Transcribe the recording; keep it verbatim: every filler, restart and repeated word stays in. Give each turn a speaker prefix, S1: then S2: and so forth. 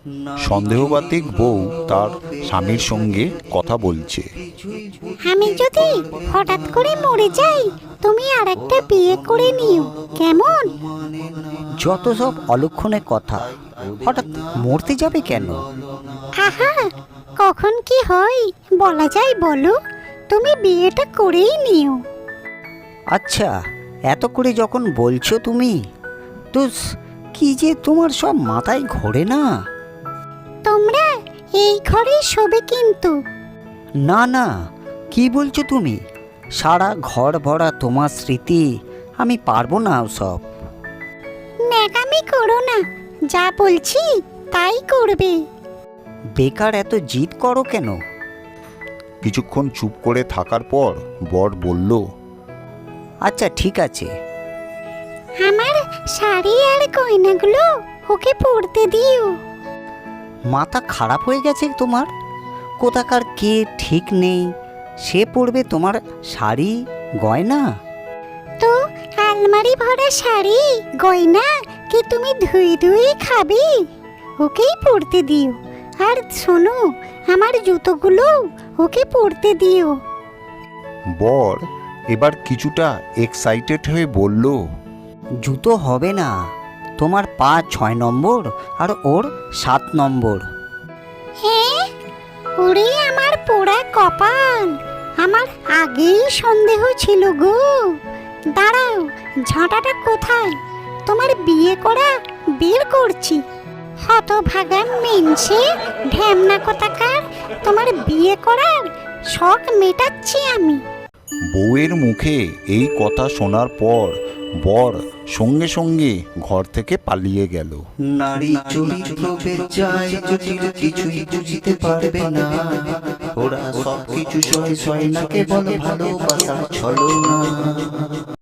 S1: সন্দেহবাতিক বউ তার স্বামীর সঙ্গে কথা বলছে।
S2: আমি যদি হঠাৎ করে মরে যাই, তুমি আর একটা বিয়ে করে নিও, কেমন?
S3: যত সব অলক্ষণে কথা, হঠাৎ মরতে যাবে কেন?
S2: আহা, কখন কি হয় বলা যায় বলো? তুমি বিয়েটা করেই নিও।
S3: আচ্ছা, এত করে যখন বলছো তুমি, তো কি যে তোমার সব মাথায় ঘোরে না?
S2: তোমরা এই ঘরেই শোবে কিন্তু।
S3: না না, কি বলছো তুমি? সারা ঘর ভরা তোমার স্মৃতি, আমি পারবো না সব।
S2: ন্যাকামি করো না, যা বলছি তাই করবে।
S3: বেকার এত জিদ করো কেন?
S1: কিছুক্ষণ চুপ করে থাকার পর বর বলল,
S3: আচ্ছা ঠিক আছে।
S2: আমার শাড়ি আর গয়নাগুলো ওকে পরতে দিও।
S3: মাথা খারাপ হয়ে গেছে তোমার? কোথাকার কে ঠিক নেই, সে পরবে তোমার শাড়ি গয়না?
S2: তো আলমারি ভরা শাড়ি গয়না কি তুমি ধুই ধুই খাবে? ওকেই পরতে দিও। আর শোনো, আমার জুতোগুলো ওকে পরতে দিও।
S1: বর এবার কিছুটা এক্সাইটেড হয়ে বলল,
S3: জুতো হবে না, তোমার পা ছয় নম্বর আর ওর সাত নম্বর।
S2: হ্যাঁ, ওরে আমার পোড়া কপাল, আমার আগেই সন্দেহ ছিল গো। দাঁড়াও, ঝাঁটাটা কোথায়? তোমার বিয়ে করা বের করছি। হতভাগা মেনসে ঢ্যামনা কোথাকার, তোমার বিয়ে করার শখ মেটাচ্ছি আমি।
S1: বউয়ের মুখে এই কথা শোনার পর বর সঙ্গে সঙ্গে ঘর থেকে পালিয়ে গেল।
S4: নারী চরিত্র বেচায় জটিল, কিছুই বুঝতে পারবে না ওরা, সব কিছু সয় সয় না কেবল ভালোবাসার ছলনা।